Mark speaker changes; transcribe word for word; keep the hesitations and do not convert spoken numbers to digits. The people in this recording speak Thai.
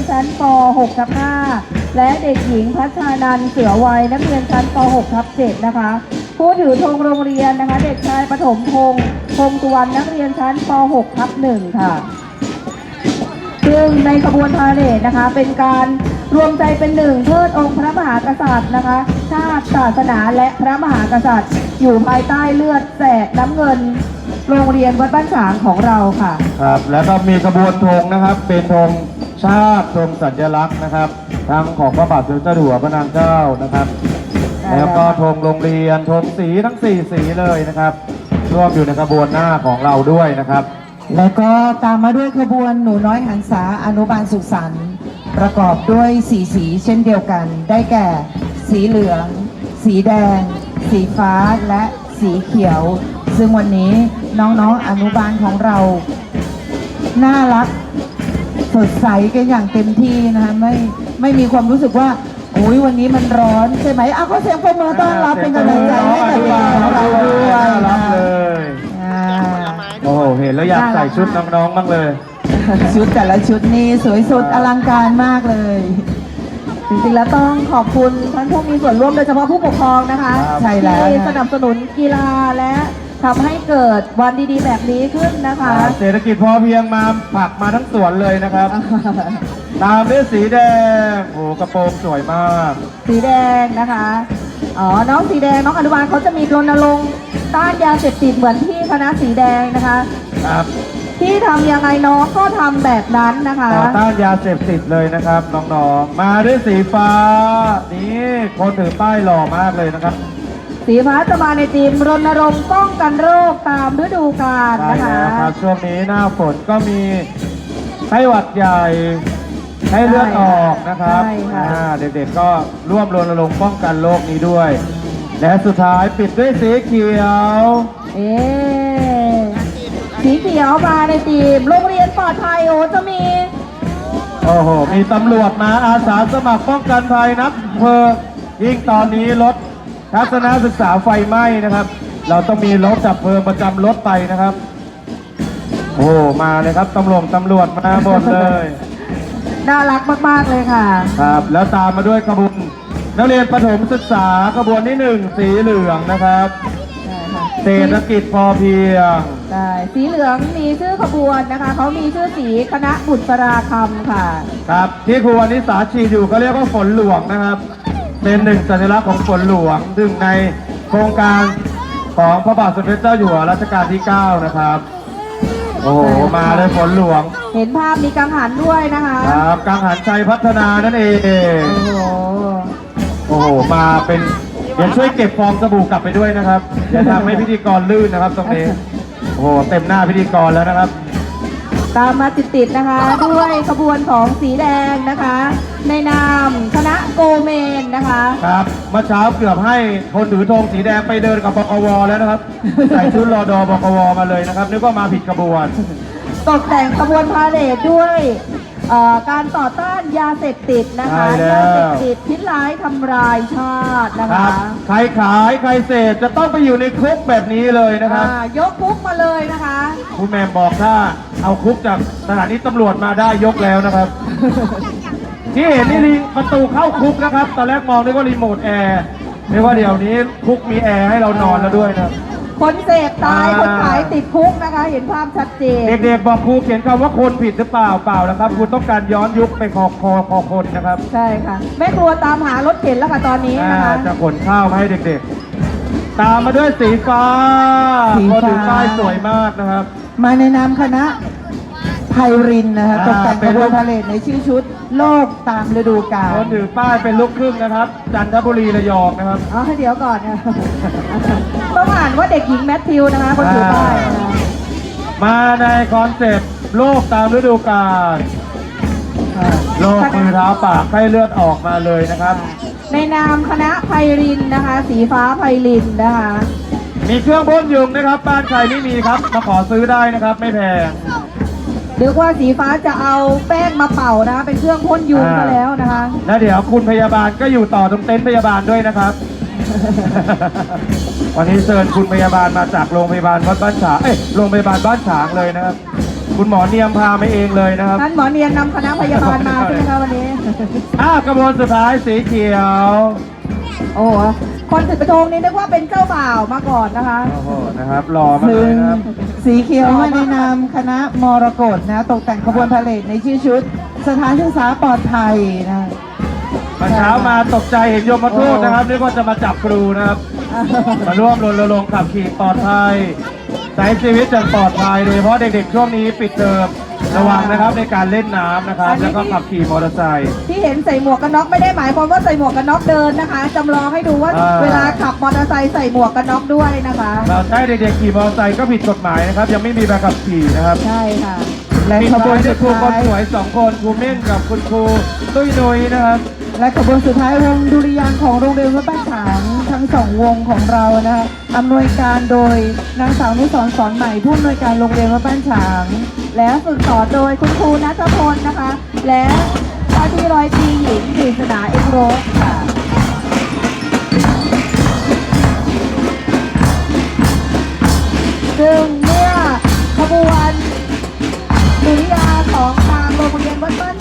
Speaker 1: ชั้นป หก ทับ ห้า และเด็กหญิงพัชานันท์เสือวัยนักเรียนชั้นป หก ทับ เจ็ด นะคะผู้ถือธงโรงเรียนนะคะเด็กชายปฐมพงษ์พงษ์สุวรรณนักเรียนชั้นป หก ทับ หนึ่ง ค่ะซึ่งในขบวนพาเหรดนะคะเป็นการรวมใจเป็นหนึ่งเทิดองค์พระมหากษัตริย์นะคะชาติศาสนาและพระมหากษัตริย์อยู่ภายใต้เลือดแสดน้ำเงินโรงเรียนวัดบ้านฉางของเราค่ะ
Speaker 2: ครับแล้วก็มีขบวนธงนะครับเป็นธงชาติธงสัญลักษณ์นะครับทั้งของพระบาทสมเด็จเจ้าอยู่หัวพระนางเจ้านะครับแล้วก็ธงโรงเรียนธงสีทั้งสี่สีเลยนะครับร่วมอยู่ในขบวนหน้าของเราด้วยนะครับ
Speaker 3: แล้วก็ตามมาด้วยขบวนหนูน้อยหันษาอนุบาลสุขสันต์ประกอบด้วยสีสีเช่นเดียวกันได้แก่ สีเหลือง สีแดง สีฟ้าและสีเขียวซึ่งวันนี้น้องๆอนุบาลของเราน่ารักสดใสกันอย่างเต็มที่นะคะไม่ไม่มีความรู้สึกว่าโอ้ยวันนี้มันร้อนใช่ไหมอ้าวก็เสียงปรบมือต้อนรับเป็นกำลังใจให้กับเด็กของเราด้วย
Speaker 2: รับเลยโอ้โหเห็นแล้วอยากใส่ชุดน้องๆบ้างเลย
Speaker 3: ชุดแต่ละชุดนี้สวยสุดอลังการมากเลย
Speaker 1: จริงๆแล้วต้องขอบคุณท่านผู้มีส่วนร่วมโดยเฉพาะผู้ปกครองนะคะที่สนับสนุนกีฬาและทำให้เกิดวันดีๆแบบนี้ขึ้นนะคะ
Speaker 2: เศรษฐกิจพอเพียงมาผักมาทั้งสวนเลยนะครับตามด้วยสีแดงโอ้กระโปรงสวยมาก
Speaker 1: สีแดงนะคะอ๋อน้องสีแดงน้องอนุบาลเขาจะมีรณรงค์ต้านยาเสพติดเหมือนที่คณะสีแดงนะคะ
Speaker 2: ครับ
Speaker 1: ที่ทำยังไงน้องก็ทำแบบนั้นนะคะ
Speaker 2: ต่อต้านยาเสพติดเลยนะครับน้องๆมาด้วยสีฟ้านี่คนถือป้ายหล่อมากเลยนะครับ
Speaker 1: สีฟ้าจะมาในทีมรณรงค์ป้องกันโรคตามฤดูกาลนะคะ
Speaker 2: ครับช่วงนี้หน้าฝนก็มีไข้หวัดใหญ่ไข้เลือดออกนะครับเด็กๆก็ร่วมรณรงค์ป้องกันโรคนี้ด้วยและสุดท้ายปิดด้วยสีเขียว
Speaker 1: เอ๊สีเขียวมาในทีมโรงเรียนปลอดภัยโอ้จะมี
Speaker 2: โอ้โหมีตำรวจมาอาสาสมัครป้องกันภัยนักเพลิงยิ่งตอนนี้รถทัศนศึกษาไฟไหม้นะครับเราต้องมีรถจับเพลิงประจำรถไปนะครับโอ้มาเลยครับตำรวจตำรวจมาหมดเลย
Speaker 1: น่ารักมากๆเลยค่ะ
Speaker 2: ครับแล้วตามมาด้วยขบวนนักเรียนประถมศึกษาขบวนที่หนึ่งสีเหลืองนะครับเศรษฐกิจพอเพียง
Speaker 1: ใช่สีเหลืองมีชื่อขบวนนะคะเขามีชื่อสีคณะบุตราคำค่ะ
Speaker 2: ครับที่ครูวนิสาชีอยู่เขาเรียกว่าฝนหลวงนะครับเป็นหนึ่งสัญลักษณ์ของฝนหลวงซึ่งในโครงการของพระบาทสมเด็จเจ้าอยู่หัวรัชกาลที่เก้านะครับโอ้โหมาเลยฝนหลวง
Speaker 1: เห็นภาพมีกังหันด้วยนะคะ
Speaker 2: ครับกังหันชัยพัฒนานั่นเองโอ้โหโอ้โหมาเป็นเดี๋ยวช่วยเก็บฟองสบู่กลับไปด้วยนะครับอย่าทำให้พิธีกรลื่นนะครับตรงนี้โอ้โหเต็มหน้าพิธีกรแล้วนะครับ
Speaker 1: ตามมาติดๆนะคะด้วยขบวนของสีแดงนะคะในนามคณะโกเมนนะคะ
Speaker 2: ครับเมื่อเช้าเกือบให้คนถือธงสีแดงไปเดินกับบกวแล้วนะครับใส่ชุดรอดอบกวมาเลยนะครับนึกว่ามาผิดขบวน
Speaker 1: ตกแต่งขบวนพาเหรดด้วยการต่อต้านยาเสพติดนะคะยาเสพติดพิษร้ายทำลายชาตินะคะ
Speaker 2: ใครขายใครเสพจะต้องไปอยู่ในคุกแบบนี้เลยนะครับ
Speaker 1: ยกคุกมาเลยนะคะ
Speaker 2: คุณแม่บอกถ้าเอาคุกจากสถานีตำรวจมาได้ยกแล้วนะครับที่เห็นนี่ประตูเข้าคุกนะครับตอนแรกมองนึกว่ารีโมทแอร์นึกว่าเดี๋ยวนี้คุกมีแอร์ให้เรานอนแล้วด้วยนะ
Speaker 1: คนเสพตายคนขายติดคุกนะคะเห็นภาพชัดเจน
Speaker 2: เด็กๆบอกครูเขียนคำว่าคนผิดหรือเปล่าเปล่าแล้วครับคุณต้องการย้อนยุคไปคอคอคอคนนะครับ
Speaker 1: ใช่ค่ะแม่ครัวตามหารถเข็นแล้วค่ะตอนนี้นะคะ
Speaker 2: จะขนข้าวมาให้เด็กๆตามมาด้วยสีฟ้าคนถือป้ายสวยมากนะครับ
Speaker 3: มาในนามคณะไพรินนะคะตกแต่งขบวนพาเหรดในชื่อชุดโลกตามฤดูกาล
Speaker 2: คนถือป้ายเป็นลูกครึ่งนะครับจันทบุรีระยองนะครับ
Speaker 1: อ๋อเดี๋ยวก่อนนะต้องอ่านว่าเด็กหญิงแมทธิวนะคะคนถือป้าย
Speaker 2: มาในคอนเซ็ปต์โลกตามฤดูกาลโลกมือเท้าปากให้เลือดออกมาเลยนะครับ
Speaker 1: ในนามคณะไพรินนะคะสีฟ้าไพรินนะคะ
Speaker 2: มีเครื่องพ่นยุงนะครับบ้านใครไม่มีครับมาขอซื้อได้นะครับไม่แพง
Speaker 1: เรียกว่าสีฟ้าจะเอาแป้งมาเป่านะคะเป็นเครื่องพ่นยุงซะแล้วนะคะ
Speaker 2: แล้วเดี๋ยวคุณพยาบาลก็อยู่ต่อตรงเต็นท์พยาบาลด้วยนะครับวันนี้เชิญคุณพยาบาลมาจากโรงพยาบาลวัดบ้านฉางเอ้ยโรงพยาบาลบ้านฉางเลยนะครับคุณหมอเนียมพามาเองเลยนะครับ
Speaker 1: ท่านหมอเนียนนำคณะพยาบาลมาใช่ไหมคะวันนี้
Speaker 2: อ้าวกระบวนสุดท้ายสีเขียว
Speaker 1: โอ้โหคนถือกระทงนี่นึกว่าเป็นเจ้าบ่าวมาก่อนนะคะ
Speaker 2: โอ้โหนะครับหล่อมากเล
Speaker 3: ซึ่
Speaker 2: ย
Speaker 3: ง
Speaker 2: นะครับ
Speaker 3: สีเขียวมาในนามคณะมรกตนะตกแต่งขบวนพาเหรดในชื่อชุด สถานศึกษาปลอดภัยนะ
Speaker 2: มาเช้ามาตกใจเห็นโยมทูตนะครับนึกว่าจะมาจับครูนะครับ มาร่วมรณรงค์ขับขี่ปลอดภัยใช้ชีวิตอย่างปลอดภัยโดยเฉพาะเด็กๆช่วงนี้ปิดเทอมระวังนะครับในการเล่นน้ำนะครับ แล้วก็ขับขี่มอเตอร์ไซค์
Speaker 1: ที่เห็นใส่หมวกกันน็อกไม่ได้หมายความว่าใส่หมวกกันน็อกเดินนะคะจำลองให้ดูว่า
Speaker 2: อ่า
Speaker 1: เวลาขับมอเตอร์ไซค์ใส่หมวกกันน็อกด้วยนะคะ
Speaker 2: เราใช้เด็กๆขี่มอเตอร์ไซค์ก็ผิดกฎหมายนะครับ ยังไม่มีใบขับขี่นะครับ
Speaker 1: ใช่ค่ะ
Speaker 3: และ
Speaker 2: ปิด
Speaker 3: ขบว
Speaker 2: ท้าน ยด้
Speaker 3: สุ
Speaker 2: วย
Speaker 3: ด
Speaker 2: ครูคน
Speaker 3: ท้าย
Speaker 2: สวยสองคนครูเม่นกับคุณครูตุ้ยนุ้ยนะครับ
Speaker 3: และขบวนสุดท้ายวงดุริยางค์ของโรงเรียนวัดบ้านฉางทั้งสองวงของเรานะคะอำนวยการโดยนางสาวนุสรณ์สอนใหม่ผู้อำนวยการโรงเรียนวัดบ้านฉาง
Speaker 1: และฝึกสอนโดยคุณครูนัทพลนะคะ และว่าที่ร้อยตรีหญิงกฤษณาเอ็กโรสค่ะซึ่งเมื่อขบวนดุริยางค์ของทางโรงเรียนวัดบ้าน